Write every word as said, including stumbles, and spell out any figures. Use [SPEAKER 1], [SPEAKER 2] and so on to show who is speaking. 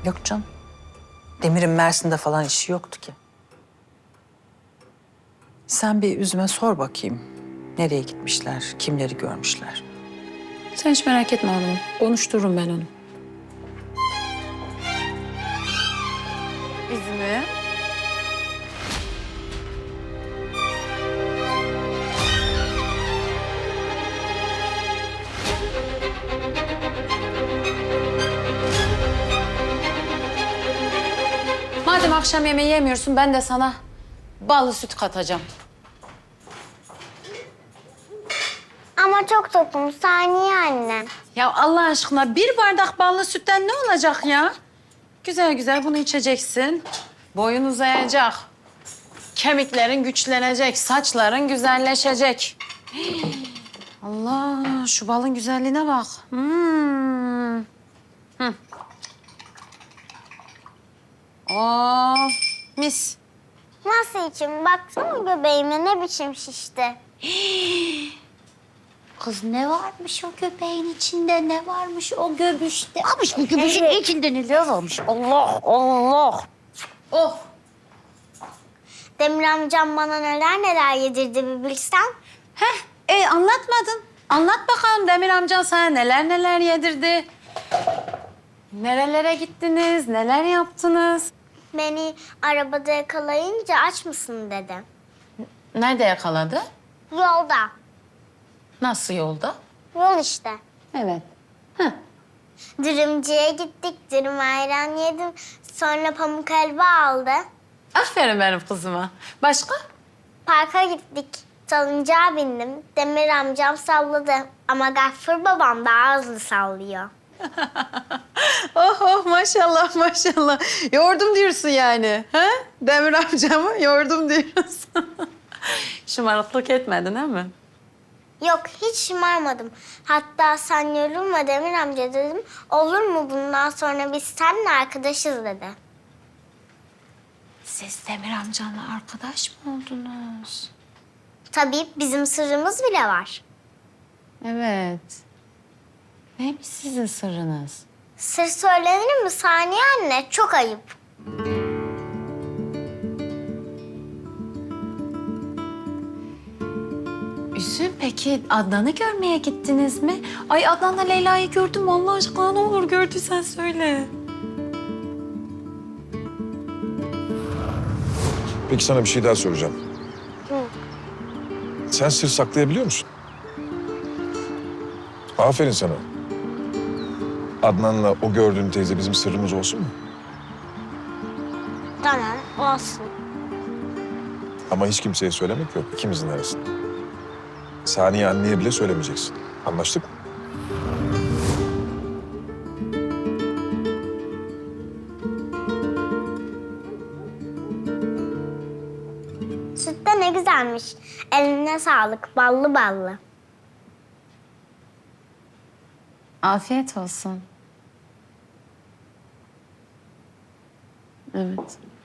[SPEAKER 1] Yok canım. Demir'in Mersin'de falan işi yoktu ki. Sen bir Üzüm'e sor bakayım. Nereye gitmişler, kimleri görmüşler?
[SPEAKER 2] Sen hiç merak etme hanımım. Konuştururum ben onu.
[SPEAKER 1] Üzüm'ü?
[SPEAKER 2] Madem akşam yemeği yemiyorsun ben de sana ballı süt katacağım.
[SPEAKER 3] Ama çok tokum Saniye anne.
[SPEAKER 2] Ya Allah aşkına bir bardak ballı sütten ne olacak ya? Güzel güzel bunu içeceksin. Boyun uzayacak. Kemiklerin güçlenecek, saçların güzelleşecek. Hii. Allah, şu balın güzelliğine bak. Hmm. Hı. Oh, mis.
[SPEAKER 3] Nasıl içim? Baksana göbeğime ne biçim şişti.
[SPEAKER 4] Kız ne varmış o göbeğin içinde, ne varmış o göbüşte? Varmış bu göbüşün içinde neler varmış? Allah Allah!
[SPEAKER 2] Oh,
[SPEAKER 3] Demir amcam bana neler neler yedirdi bir bilsen.
[SPEAKER 2] heh, e, anlatmadın. Anlat bakalım Demir amcan sana neler neler yedirdi. Nerelere gittiniz, neler yaptınız?
[SPEAKER 3] Beni arabada yakalayınca aç mısın dedi.
[SPEAKER 2] Nerede yakaladı?
[SPEAKER 3] Yolda.
[SPEAKER 2] Nasıl yolda?
[SPEAKER 3] Yol işte.
[SPEAKER 2] Evet. Heh.
[SPEAKER 3] Dürümcüye gittik, dürüm ayran yedim. Sonra pamuk helva aldı.
[SPEAKER 2] Aferin benim kızıma. Başka?
[SPEAKER 3] Parka gittik. Salıncağa bindim. Demir amcam salladı. Ama Gaffur babam daha hızlı sallıyor.
[SPEAKER 2] Oh oh maşallah maşallah. Yordum diyorsun yani. Ha? Demir amcamı yordum diyorsun. Şımarıklık etmedin değil mi?
[SPEAKER 3] Yok, hiç şımarmadım. Hatta sen yorulma Demir amca dedim. Olur mu bundan sonra biz seninle arkadaşız dedi.
[SPEAKER 2] Siz Demir amcanla arkadaş mı oldunuz?
[SPEAKER 3] Tabii bizim sırrımız bile var.
[SPEAKER 2] Evet. Neymiş sizin sırrınız?
[SPEAKER 3] Sır söylenir mi Saniye anne? Çok ayıp.
[SPEAKER 2] Üzüm peki Adnan'ı görmeye gittiniz mi? Ay Adnan'la Leyla'yı gördüm mü? Allah aşkına ne olur gördüysen söyle.
[SPEAKER 5] Peki sana bir şey daha soracağım. Sen sır saklayabiliyor musun? Aferin sana. Adnan'la o gördüğün teyze bizim sırrımız olsun mu?
[SPEAKER 3] Tamam, olsun.
[SPEAKER 5] Ama hiç kimseye söylemek yok ikimizin arasında. Saniye anneye bile söylemeyeceksin. Anlaştık mı?
[SPEAKER 3] Süt de ne güzelmiş. Eline sağlık, ballı ballı.
[SPEAKER 2] Afiyet olsun. Evet.